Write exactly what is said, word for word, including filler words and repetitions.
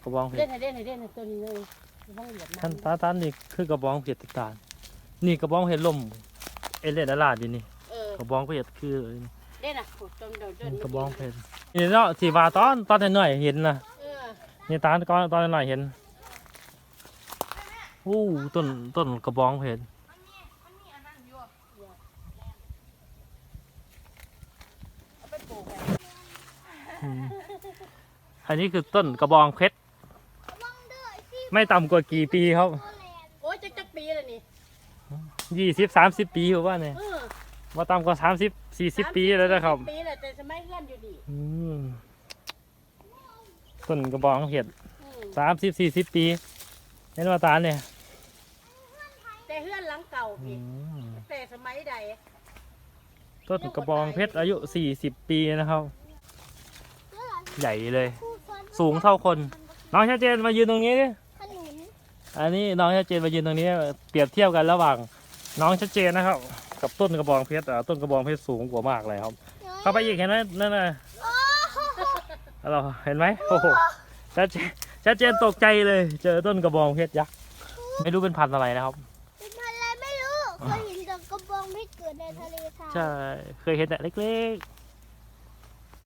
กระบองเพชเด่รนเด่นเด่นตัวนี้เลยต้องเหยียบท่านน้ำตาตานนี่คือกระบองเพชรติดตาลนี่กระบองเพชรล่มเอเลดาลาดอยู่นี่เออกระบองเพชรคือเด่นอ่ะจนเดินเดินกระบองเพชรนี่เนาะสีว่าตอนตอนน้อยๆเห็นนะเออนี่ตาตอนตอนน้อยๆเห็นอู้ต้นต้นกระบองเพชรเอาไปปลูกอืมอันนี้คือต้นกระบองเพชรไม่ต่ำกว่ากี่ปีครับโอ้ยจักจักปีเลยนี่ยี่สิบสามสิบปีผมว่าเนี่ยเออมาต่ำกว่าสามสิบสี่สิบปีแล้วนะครับปีเลยแต่สมัยเพื่อนอยู่ดีอืมต้นกระบองเพชรอืมสามสิบสี่สิบปีเห็นว่าตาเนี่ยแต่เพื่อนหลังเก่าอืพี่มแต่สมัยใดต้นกระบองเพชรอายุสี่สิบปีนะครับ ใหญ่เลย สูงเท่าคน น้องชัดเจนมายืนตรงนี้ดิขนุนอันนี้น้องชัดเจนมายืนตรงนี้ เปรียบเทียบกันระหว่าง น้องชัดเจนนะครับ กับต้นกระบองเพชรอ่ะต้นกระบองเพชรสูงกว่ามากเลยครับ เข้าไปอีกเห็นไหมนั่นน่ะเราเห็นไหมโอ้โหชัดเจนชัดเจนตกใจเลย เจอต้นกระบองเพชรยักษ์ไม่รู้เป็นพันธุ์อะไรนะครับเป็นพันธุ์อะไรไม่รู้เคยเห็นแต่กระบองเพชรเกิดในทะเลทรายใช่เคยเห็นแต่เล็กๆ